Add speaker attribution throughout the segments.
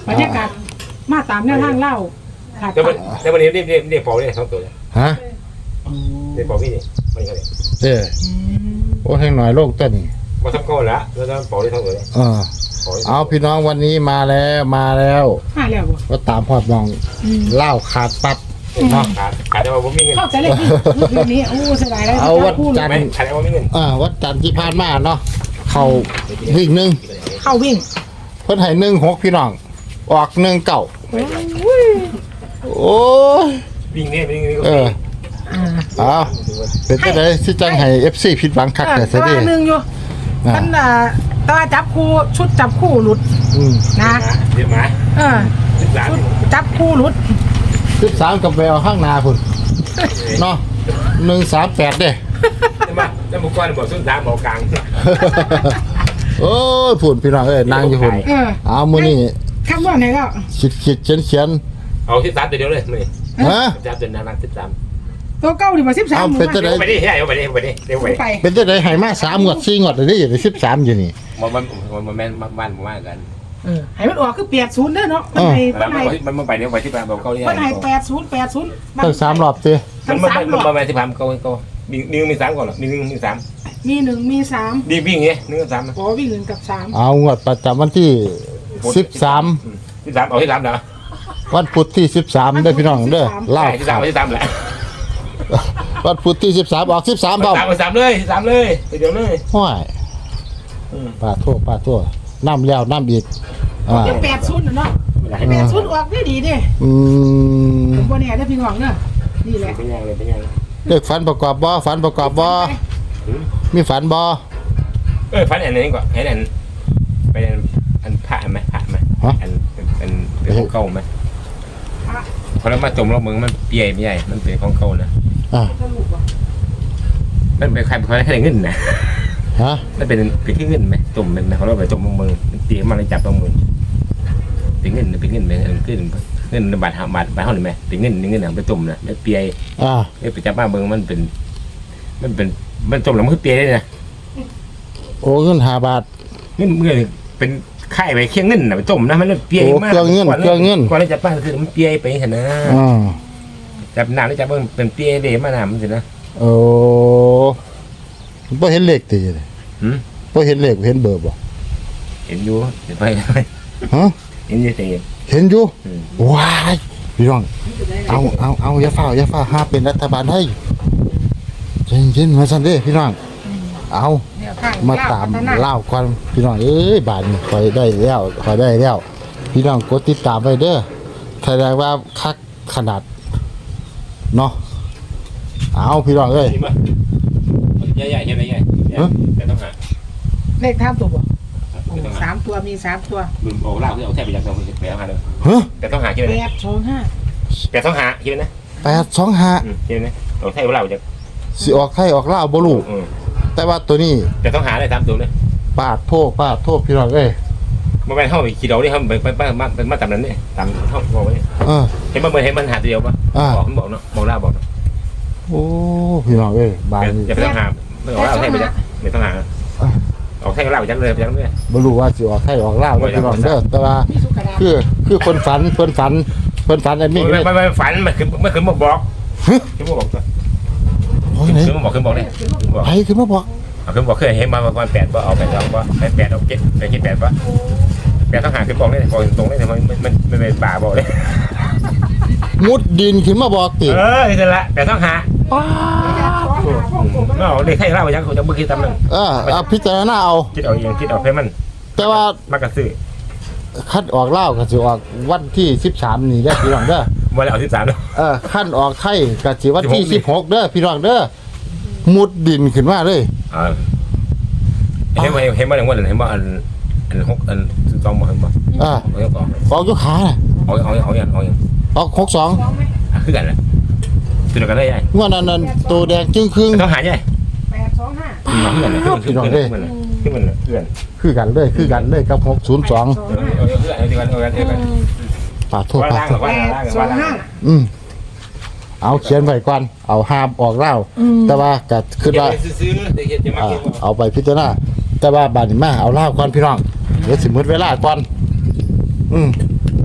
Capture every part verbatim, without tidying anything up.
Speaker 1: บรรยากาศมาตามแนวทางเล่าขาด
Speaker 2: แล้ววันแล้ววันนี้เรียกเรียกเรียกเป่าเนี่ยสองตัว
Speaker 3: ฮะ
Speaker 2: เรียกเป่าพี่นี่ไม่ใช่
Speaker 3: เออโอ้แห่งหน่อยโลกต้นนี่
Speaker 2: มาทำก้อนละแล้วเป่าได้ทั้งตัวเลย
Speaker 3: เออเอาพี่น้องวันนี้มาแล้วมาแล้ว
Speaker 1: มาแล้วบ่
Speaker 3: ก็ตามพอดมองเล่าขาดปัดเนาะ
Speaker 2: ขาดขาดแต่ว่าผมมีเงิน
Speaker 1: เข้าใจเลยพี่เรื่องนี้โอ้เสียดายเลย
Speaker 3: เอาวัดจันท
Speaker 2: ไม่
Speaker 3: ร์
Speaker 2: ขาดแต่ว่ามีเงิน
Speaker 3: อ่าวัดจันทร์ที่ผ่านมาเนาะเขาวิ่งหนึ่ง
Speaker 1: เข้าวิ่ง
Speaker 3: เพิ่นให้หนึ่งหกพี่น้องออกหนึ่งเก่าโอ้ย
Speaker 2: วิ่งเนี่ยวิ่งนี่ก็
Speaker 3: เออ
Speaker 1: อ่า
Speaker 3: เอาเป็นไปได้ที่จังให้ เอฟ ซี ผิดหวังคักแต่ซะดิ
Speaker 1: ตัวหนึ่งอยู่ท่านอ่าตาจับคู่ชุดจับคู่หลุด
Speaker 3: อืม
Speaker 1: นะ
Speaker 2: เดี๋ยวมา
Speaker 1: เออ
Speaker 2: สิบล้าน
Speaker 1: ชุดจับคู่หลุด
Speaker 3: สิบสามกับแววข้างหนาพุ่นเนาะหนึ่งสามแปดเด้
Speaker 2: ใช่ไหมแล้วบุกก้อนบอกสุดสามบอกกลาง
Speaker 3: โอ้ยพุ่นพี่น้องเอ้ยนางอยู่พุ่น
Speaker 1: เออ
Speaker 3: เอามื้อนี้
Speaker 1: คำว่าไหนก็
Speaker 3: คิดคิดเขียนเขียน
Speaker 2: เอาสิบสามตัวเดียวเลยไม่
Speaker 3: ฮะ
Speaker 2: สิบสามตัวนารักสิบสาม
Speaker 1: ตัวเก้าดีกว่าสิบสาม
Speaker 3: เอาเป็นจะได้
Speaker 2: ไปดิเอาไปดิไปดิเดี๋ยวไป
Speaker 1: ไป
Speaker 3: เป็นจะได้ให้มาสามงวดสี่งวดเลยนี่อยู่สิบสามอยู่นี่
Speaker 2: มันมันมันแม่นบ้านบ้านกัน
Speaker 1: เออให้มันออกคือแปดศูนย์เด้อเนาะมันให้
Speaker 2: แล้
Speaker 1: มั
Speaker 2: วน
Speaker 1: ให้
Speaker 2: มันมันไปเดี๋ยวไปที่บ้านบอกเขาเรียก
Speaker 1: มันให้แปดศูนย์แปดศูนย์
Speaker 3: ตั้งสามรอบสิ
Speaker 2: มั
Speaker 1: ทั้
Speaker 2: น
Speaker 1: ง
Speaker 2: มัน
Speaker 1: สาม
Speaker 2: มัน
Speaker 1: รอบ
Speaker 2: มาที่พามเขาเขามีหนึ่งมีสามก่อนหรอมีหนึ่งมีสาม
Speaker 1: มีหนึ่งมีสาม
Speaker 2: ดีวิ่งเงี้ยหนึ่งกับสาม
Speaker 1: อ๋อวิ่งหนึ่งกับสาม
Speaker 3: เอางวดประจำวันที่สิบสาม
Speaker 2: ที่สามเอาที่สามเหรอ
Speaker 3: วันพุธที่สิบสามเด้อพี่น้องเด้อเล่า
Speaker 2: ที่สามที่สามแหละ
Speaker 3: วันพุธที่สิบสามออกสิบสามเปล่า
Speaker 2: สามสามเลยสามเลยเดี๋ยวเลย
Speaker 3: ห้อยป้าโทษป้าโทษน้ำแล้วน้ำอีกอ่า
Speaker 1: ยังแปดศูนย์เนาะแปดศูนย์ออกได้ดีเด้
Speaker 3: อืม
Speaker 1: ผมว่าเนี่ยได้พี่น้องเนาะนี่แหละ
Speaker 2: เป็นยังเลยเป็นยัง
Speaker 3: เลขฝันประกอบบ่ฝันประกอบบ่มีฝันบ่
Speaker 2: เออฟันอันนี้ก่อนให้อันเป็นอันผ่าไหมผ่าไหมอันเป็นเป็นเป็นของเก่าไหมพอแล้วมาจมแล้วมึงมันเปียไม่ใหญ่มันเป็นของเก่านะ
Speaker 3: อ่า
Speaker 2: มันเป็นใครเป็นใครแค่เงินนะ
Speaker 3: ฮะ
Speaker 2: มันเป็นเป็นที่เงินไหมจมเป็นเขาเราไปจมมือตีมันเลยจับตรงมือเป็นเงินเป็นเงินเป็นเงินเงินบาทหาบาทบาทเท่าไหร่ไหมเป็นเงินเงินหนังไปจมนะไม่เปีย
Speaker 3: อ่า
Speaker 2: ไม่ไปจับมาเบิ้งมันเป็น มันเป็นมันจมแล้วมันคือเปียได้นะ
Speaker 3: โอ้เงินห้าบาท
Speaker 2: เงินเงินเป็นไข่ไปเคียงเงินนะไปจมนะมันเปียมากก่อนที่จะป้าคือมันเปียไปเห็นนะ
Speaker 3: อ่า
Speaker 2: จับหนาแล้วจับเบิ้งเป็นเปียเดมาหนามันสินะ
Speaker 3: โอ้บ่เห็นเลขติเลย
Speaker 2: หืม
Speaker 3: บ่เห็นเลขเห็นเบอร์บ่
Speaker 2: เห็นอยู่เห็นไป
Speaker 3: ฮะ
Speaker 2: เห็นอยู่แต่
Speaker 3: เห็นอยู่ว้ายพี่น้องเอาเอาเอาอย่าเฝ้าอย่าเฝ้าห้าเป็นรัฐบาลให้เย็นๆมาซั่นเด้พี่น้องเอามาตามเล่าก่อนพี่น้องเอ้ยบาดนี้คอยได้แล้วคอยได้แล้วพี่น้องกดติดตามไว้เด้อแสดงว่าคักขนาดเนาะเอาพี่น้องเอ้ย
Speaker 2: ใหญ่ใหญ่ใหญ่ใหญ่แต่ต้องหา
Speaker 1: เลขท่ามตัวบ่สามตัวมีสามตัว
Speaker 2: ลืมเอาลากที่เอาแทบไปยังต้องแปลหาเลย
Speaker 3: ฮะ
Speaker 2: แต่ต้องหาคิด
Speaker 1: แป
Speaker 2: นะ
Speaker 1: ดสองห้า
Speaker 2: แต่ต้องหาคิดนะ
Speaker 3: แปดสองห้า
Speaker 2: คิดนะเอาแทบเราจะ
Speaker 3: สิออกไทยออกลาวบ่รู้แต่ว่าตัวนี้
Speaker 2: แต่ต้องหาเลยตามตัวเลย
Speaker 3: ปาดโทษปาดโทษพี่น้องเอ้ย
Speaker 2: มันเป็นเข้าไปคิดเอาดิเขาไปไปมาเป็นมาตามนั้นเนี่ยตามเขาบอกไว้
Speaker 3: เออ
Speaker 2: เห็นมันเห็นมันหาตัวเดียวปะบอกมันบอกเนาะบอกล่าบอกเนาะ
Speaker 3: โอ้พี่น้องเอ้ยบาดนี้
Speaker 2: อย่าไปต้องหาไม่เอาเอาแทบไปจังไม่ต้องหาเอาแทบเราจังเลยจังเลย
Speaker 3: บ่รู้ว่าสิออกไทยออกลาวแล้วพี่น้องเด้อแต่ว่า
Speaker 1: มีสุกระดาษ
Speaker 3: คือคือคนฝันเพิ่นฝันเพิ่นฝันอันนี้
Speaker 2: ไม่
Speaker 3: เลย
Speaker 2: ไม่ไม่ฝันมันคือมันคือบอกบอกคือบอกตัว
Speaker 3: โอ้ยไหน
Speaker 2: คือบอกคือบอกเลยบอก
Speaker 3: ไผคือมาบอก
Speaker 2: เอาคือบอกเคยเห็นมาประมาณแปดว่าเอาแปดสองว่าแปดแปดเอาเจ็ดไปคิดแปดว่าแปดต้องหาคือบอกเลยบอกตรงเลยมันมันมันเป็นป่าบอกเลย
Speaker 3: มุดดินขึ้นมาบอกติ
Speaker 2: เออนี่ละแปดต้องหาไม่เอาเลยใครเล่ายังเขาจะเมื่อกี้ตำนึง
Speaker 3: เออเอาพิจารณาเอา
Speaker 2: คิดเอาเองคิดเอาให้มัน
Speaker 3: แต่ว่าม
Speaker 2: ากระซื้อ
Speaker 3: คัดออกลาวก็สิออกวันที่สิบสามนี่เด้อพี่น้องเด้อ
Speaker 2: วันละเอาสิบสามเนาะ
Speaker 3: เออคันออกไทยก็สิวันที่สิบหกเด้อพี่น้องเด้อมุดดินขึ้นมาเลย
Speaker 2: อ่าเห็นว่าเห็นว่าอย่างว่าเห็นว่าอันอันหกอันสิบสองบอกเห็นว่า
Speaker 3: อ่า
Speaker 2: เอาอย่างก่อน
Speaker 3: ออกยกขาน่ะ
Speaker 2: เอาเอาเอาอย่างเอาอย่าง
Speaker 3: ออกหกสอง
Speaker 2: คือกันแหละตัวเดียวกันได้ยัง
Speaker 3: งวดนั้นนั้นตัวแดงจึงครึ่ง
Speaker 2: ต้องหาใช่
Speaker 1: แปดสองห้า
Speaker 2: ขึ้นกันเลยขึ้นกันเลยขึ้นกันเลยเพื่อน
Speaker 3: คือกันเลยคือกันเลยกับหกศูนย์สอง
Speaker 2: เอาเอาเพื่อนเอาดีกันเอากันเอากัน
Speaker 3: ปาดโทษ
Speaker 2: ว่า
Speaker 3: ปาด
Speaker 2: ล่าง
Speaker 3: โทษ
Speaker 2: ว่า
Speaker 1: แป
Speaker 2: ล่าง
Speaker 1: ดสองห้า
Speaker 3: อืมเอาเขียนไว้ก่อนเอาห้ามออกเล่าแต่ว่าก็คือว่า
Speaker 2: ซื้อเด็กจะมา
Speaker 3: อ่า
Speaker 2: เก็บ
Speaker 3: เอาไปพิจารณาแต่ว่าบาดนี้มาเอาเล่าก่อนพี่น้องเดี๋ยวสิมืดเวลาก่อนอืม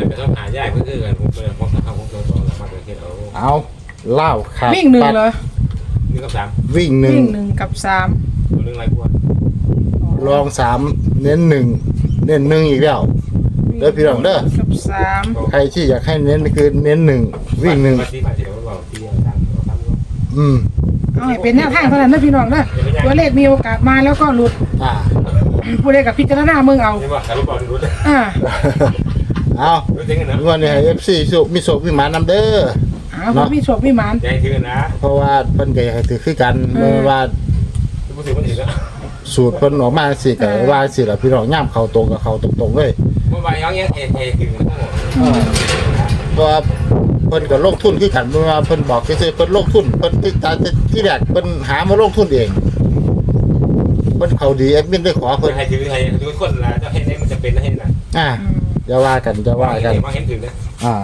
Speaker 2: ไปต้องหายากเพื่อกันผมเป็นผมทำผมตัวสองหลังมาเป็นเทศเอา
Speaker 3: เอาเล่าขาด
Speaker 1: วิ่งหนึ่งเหรอ
Speaker 2: หนึ่งกับสาม
Speaker 3: วิ่งหนึ่ง
Speaker 1: วิ่งหนึ่งกับสาม
Speaker 2: ตัวหนึ่งไรพวก
Speaker 3: รองสามเน้นหนึ่งเน้นหนึ่งอีกแล้วเด้อพี่น้องเด้อ
Speaker 1: กับสาม
Speaker 3: ใครที่อยากให้เน้นคือเน้นหนึ่งวิ่งหนึ่ง
Speaker 2: มาที่มาที่เราบอกที่สามสาม
Speaker 3: อืม
Speaker 1: เอาให้เป็นแนวทางเท่านั้นนะพี่น้องนะตัวเลขมีโอกาสมาแล้วก็หลุด
Speaker 3: อ่า
Speaker 1: ผู้ใดกับพิจารณามึงเอา
Speaker 2: นี่ว่าการรู้บอกรู้
Speaker 1: อ่า
Speaker 3: เอา
Speaker 2: รู้จริงนะ
Speaker 3: วันนี้ให้ เอฟ ซี สุมีโศกมีหมานำเด้อ
Speaker 1: อ่าผมมีโชคมีหมาน
Speaker 2: ใจถือนะ
Speaker 3: เพราะว่าเพิ่นก็อยากให้ถือคือกันเมื่อว่า
Speaker 2: ผู้ถือผู้ถือแล้ว
Speaker 3: สูตรเพิ่นออกมาสิก็ว่าสิล่ะพี่น้องย่ามเข้าตรงกับเข้าตรงๆเลย
Speaker 2: เมื่อวานย้อนเงี้ยเอเอถือ
Speaker 3: เพราะว่าเพิ่นก็ลงทุนคือกันเมื่อว่าเพิ่นบอกซื่อๆเพิ่นลงทุนเพิ่นที่ที่แรกเพิ่นหามาลงทุนเองเพิ่นเขาดีแอดมินได้ขอ
Speaker 2: ค
Speaker 3: เพิ่
Speaker 2: น
Speaker 3: น
Speaker 2: ไทยถือไทยทุกคนละจะให้ได้มันจะเป็นให้นะ
Speaker 3: อ่าจะว่ากันจะว่ากัน
Speaker 2: ว่าเห็นถือนะ
Speaker 3: อ่า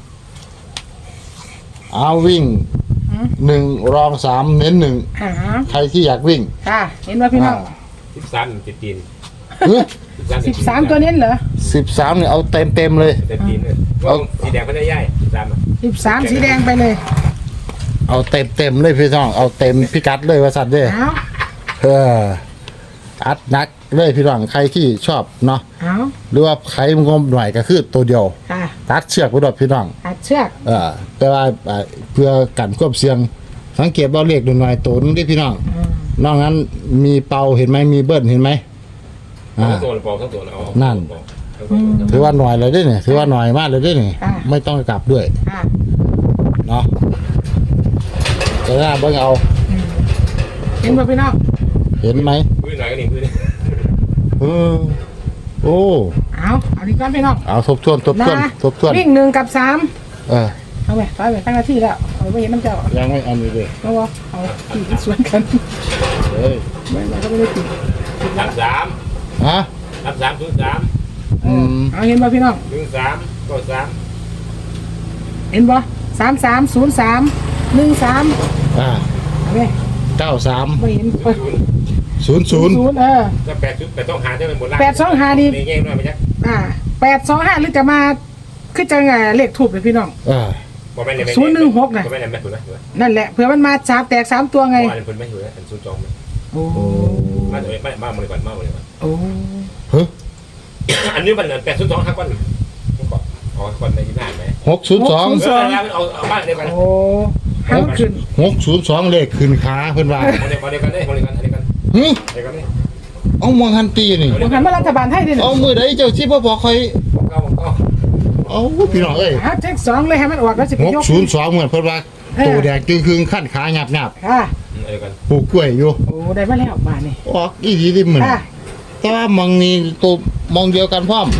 Speaker 3: เอาวิ่งหนึ่งรองสามเน้นหนึ่ง
Speaker 1: อ่า
Speaker 3: ใครที่อยากวิ่ง
Speaker 1: ค่ะเห็นว่าพี่น้อง
Speaker 2: สิบสามติดตีน
Speaker 1: สิบสามตัวเน้นเหรอ
Speaker 3: สิบสามเนี่ยเอาเต็มเต็มๆเลย
Speaker 2: ติดตีนเลยว่าสีแดงเขาได้ย่ายสาม
Speaker 1: สิบสามสีแดงไปเลย
Speaker 3: เอาเต็มเต็มๆเลยพี่น้องเอาเต็มพิกัดเลยว่าสัตว์เด้อ
Speaker 1: เอา
Speaker 3: เอออัดหนักเลยพี่น้องใครที่ชอบเนาะ
Speaker 1: เอา
Speaker 3: หรือว่าใครงมหน่อยก็คือตัวเดียว
Speaker 1: ค่ะ
Speaker 3: ตัดเชือกไปดอกพี่น้อง
Speaker 1: อัดเชือก
Speaker 3: เออแต่ว่าอ่าเพื่อกันควบเสียง สังเกตว่าเลขหน่อยๆตัวนึงที่พี่น้อง
Speaker 1: อืม
Speaker 3: นอกนั้นมีเป่าเห็นไหมมีเบิ้ลเห็นไหมอ่า
Speaker 2: ทั้งตัวปอกทั้งตัวเอา
Speaker 3: ถือว่าหน่อยเลยได้เนี่ยถือว่าหน่อยมากเลยได้เนี่ยไม่ต้องกลับด้วย
Speaker 1: ค่ะ
Speaker 3: เนาะจะได้เบิ่งเอา
Speaker 1: เห็นว่าพี่น้อง
Speaker 3: เห็นไหม
Speaker 2: พื้นหน่อยก็นี่พื้น
Speaker 3: เออโอ้
Speaker 1: เอาเอาดีก่อนพี่น้อง
Speaker 3: เอาทบทวนทบทวน
Speaker 1: นะ
Speaker 3: ทบทวน
Speaker 1: วิ่งหนึ่งกับสาม
Speaker 3: เออ
Speaker 1: เอาไปไปไปตั้งหน้าที่แล้วเอาไปเห็นน้ำเจ้า
Speaker 3: ยังไม่อันนี้เลย
Speaker 1: แล้วว่าเอาขี่ที่สวนกัน
Speaker 3: เฮ้ย
Speaker 1: ไม่ไม่ก็ไม่ได้ติด
Speaker 2: สามสาม
Speaker 3: ฮะ
Speaker 2: สามสามศูนย์สาม
Speaker 3: อืม
Speaker 1: เอาเห็นป่ะพี่น้อง
Speaker 2: หนึ่งสามก็สาม
Speaker 1: เห็นป่ะสามสามศูนย์สามหนึ่งสาม
Speaker 3: อ่า
Speaker 1: เอาไป
Speaker 3: เก้าสาม
Speaker 1: ไม่เห็น
Speaker 2: ศูนย์
Speaker 3: ศูนย์ศูนย์
Speaker 1: ศูนย์เออ
Speaker 2: ก็แปดชุดแปดต้องหาได้เป็นหมดละ
Speaker 1: แปดสองห้านี่
Speaker 2: ในแง่หน่อยไม่ใช่
Speaker 1: อ่าแปดสองห้าหรือจะมาคือจะไงเลขถูกเลยพี่น้อง
Speaker 3: เออ
Speaker 2: บอกไม่เลย
Speaker 1: ศูนย์หนึ่งหกน่ะ
Speaker 2: บอกไม่เลยไม่ถูกนะ
Speaker 1: นั่นแหละเผื่อมันมาสามแตกสามตัวไง
Speaker 2: ว่าอันคนไม่ถูกนะอันศูนย์จอง
Speaker 1: โอ้
Speaker 2: มาเลยไม่มาเลยก่อนมาเลยก่อน
Speaker 1: โอ้
Speaker 3: เฮ้ย
Speaker 2: อันนี้มันแปดศูนย์สองห้าก้อนก่อนอ๋อก้อนในที่หน้าไหม
Speaker 3: หกศูนย์สอง
Speaker 2: เออแล้วเอาเอาบ้านเดียวกัน
Speaker 1: โอ้ห้ามขึ้น
Speaker 3: หกศูนย์สองเลขขึ้นขาเพิ่นว่า
Speaker 2: มาเดียวกันเดียวกันได้มาเดียวกันเดียวกัน
Speaker 3: หึ
Speaker 2: เดียวกันนี่
Speaker 3: เอามองหันตีนี่
Speaker 1: มันหันมารัฐบาลให้ด้วยนะ
Speaker 3: เอามือใดเจ้าที่บ่บอกใคร
Speaker 2: ผมก็ผมก็
Speaker 3: เอาพี่น้องเอ้ย
Speaker 1: หาเช็คสองเลยให้มันออกแล้วจะไป
Speaker 3: หก
Speaker 1: ยก
Speaker 3: ศูนย์สองเหมือนเพิ่นว่าตัวแดงจึงคืงขั้นขาหยับหยับ
Speaker 1: ค่ะ
Speaker 2: เดียวกัน
Speaker 3: ปลูกกล้วยอยู่
Speaker 1: โอ้ได้มาแล้วมานี่
Speaker 3: ออกอีหลีดิเหมือน
Speaker 1: ค่ะ
Speaker 3: แต่ว่ามองนี่ตัวมองเดียวกันพร้อม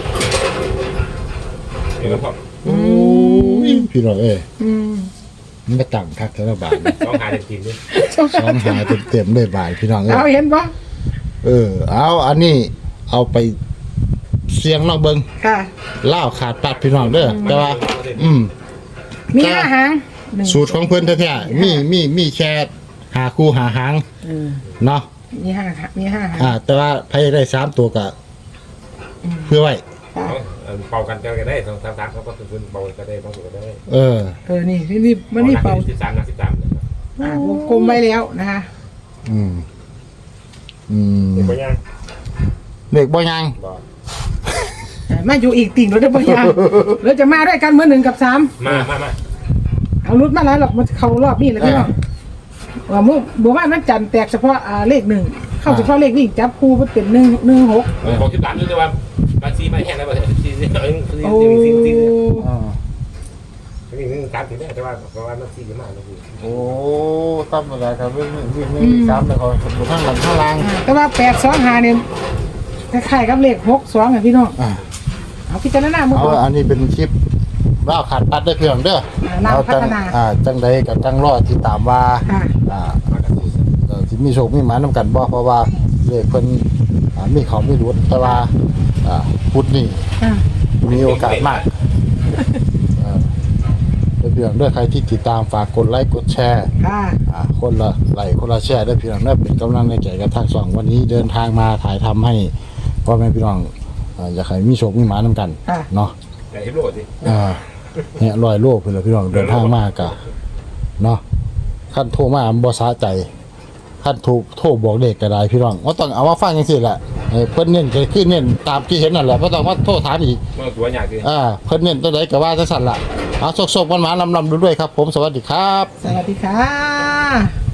Speaker 2: เดียวกันพอ
Speaker 3: โอ้ยพี่น้องเอ้ย
Speaker 1: อืม
Speaker 3: มันก็ตั้งคักแต่ละบาท
Speaker 2: ต้องหาเด็กทีมด้วย
Speaker 3: สองหาเต็มๆเลยบาทพี่น้องเอ้ย
Speaker 1: เอาเห็นปะ
Speaker 3: เออเอาอันนี้เอาไปเสียงลองเบิ่ง
Speaker 1: ค่ะ
Speaker 3: ล่าวขาดปัดพี่น้องเด้อแต่ว่า อืม
Speaker 1: มีห้าหางหนึ่ง
Speaker 3: สูตรของเพิ่นแท้ๆมีมีมีแค่หาคู่หาหาง
Speaker 1: เออ
Speaker 3: เนาะ
Speaker 1: มีห้ามีห้าหาง
Speaker 3: อ่า แต่ว่าไผได้สามตัวก็เพื่อไว้
Speaker 1: ค่ะ
Speaker 2: เป่ากันก็ได้สองสามสามเขาก็คือเป่าก็ได้บางส่วนก็ได้
Speaker 3: เออ
Speaker 1: เออนี่นี่นี่มันนี่เป่า
Speaker 2: สิบสามนะสิบสาม
Speaker 1: อ่าวงกลมไว้แล้วนะคะ
Speaker 3: อืม อืม
Speaker 2: เด็กคนยัง
Speaker 3: เด็กบ่ยัง
Speaker 2: บอก
Speaker 1: เออมาอยู่อีกติ่งรถได้ปะยังเราจะมาด้วยกันเมื่อหนึ่งกับสาม
Speaker 2: มามามา
Speaker 1: เอารุดมาแล้วหรอกมันเข้ารอบนี้เลยพี่น้องว่ามุ่งบอกว่ามันจันทร์แตกเฉพาะอ่าเลขหนึ่งเข้าเฉพาะเลขวิ่งจับคู่มันเป็นหนึ่งหนึ่งหก
Speaker 2: บอกสิบสามด้วยว่าบางทีไม่แห้งแล้วบางทีสี่สี่สี่
Speaker 1: โอ้
Speaker 2: สี่สี่
Speaker 3: อ่า
Speaker 2: นี่นี่สามถึงได้แต่ว่าเพราะว่ามันสี่มากนะพี่
Speaker 3: โอ้ตามเวลาครับวิ่งวิ่งวิ่งสามแล้วก็อยู่ข้างหลังข้างล่าง
Speaker 1: อ่าแต่ว่าแปดสองหาเนี่ยคล้ายๆกับเลขหกสองอ่ะพี่น้อง
Speaker 3: อ่า
Speaker 1: เอาพิจารณาเมื่อ
Speaker 3: เอา
Speaker 1: ก่อน
Speaker 3: อันนี้เป็นคลิปล่าวขาดปัดได้เพียงเด้อ
Speaker 1: อ่าล่าวพัฒนา
Speaker 3: จังอ่า จังใดกับจังรอดที่ตามว่า
Speaker 1: ค่ะ
Speaker 3: อ่า
Speaker 2: มากันสี่
Speaker 3: เอ่อที่มีโชคมีหมานำกันบ่เพราะว่าเลขเพิ่นอ่ามีเขามีรุดแต่ว่าอ่าพุทธนี่
Speaker 1: อ่า
Speaker 3: มีโอกาสมากเออได้เพียงเด้อใครที่ติดตามฝากกดไลค์กดแชร์
Speaker 1: ค่ะ
Speaker 3: อ่าคนละไลค์คนละแชร์ได้เพียงเด้อเป็นกำลังใจกับทางสองวันนี้เดินทางมาถ่ายทำให้พ่อแม่พี่น้องอ่าอยากให้มีโชคมีหมานำกัน
Speaker 1: ค่ะ
Speaker 3: เนาะ
Speaker 2: แต่ที่โลดสิ
Speaker 3: อ่าเนี่ยลอยโลกไปเลยพี่น้องเดินทางมากะเนาะขั้นโทรมาบ่สะใจขั้นโทรโทรบอกเด็กก็ได้พี่น้องว่าต้องเอามาฟังจังซี่แหละเออเพิ่นเน้นก็คือเน้นตามที่เห็นนั่นแหละบ่ต้องมาโทรถามอีก
Speaker 2: เมื่อตัวอย่างคือ
Speaker 3: อ่าเพิ่นเน้นตัวใดก็ว่าจังซั่นล่ะเอาสกๆมันๆลำๆด้วยๆครับผมสวัสดีครับ
Speaker 1: สวัสดีค่ะ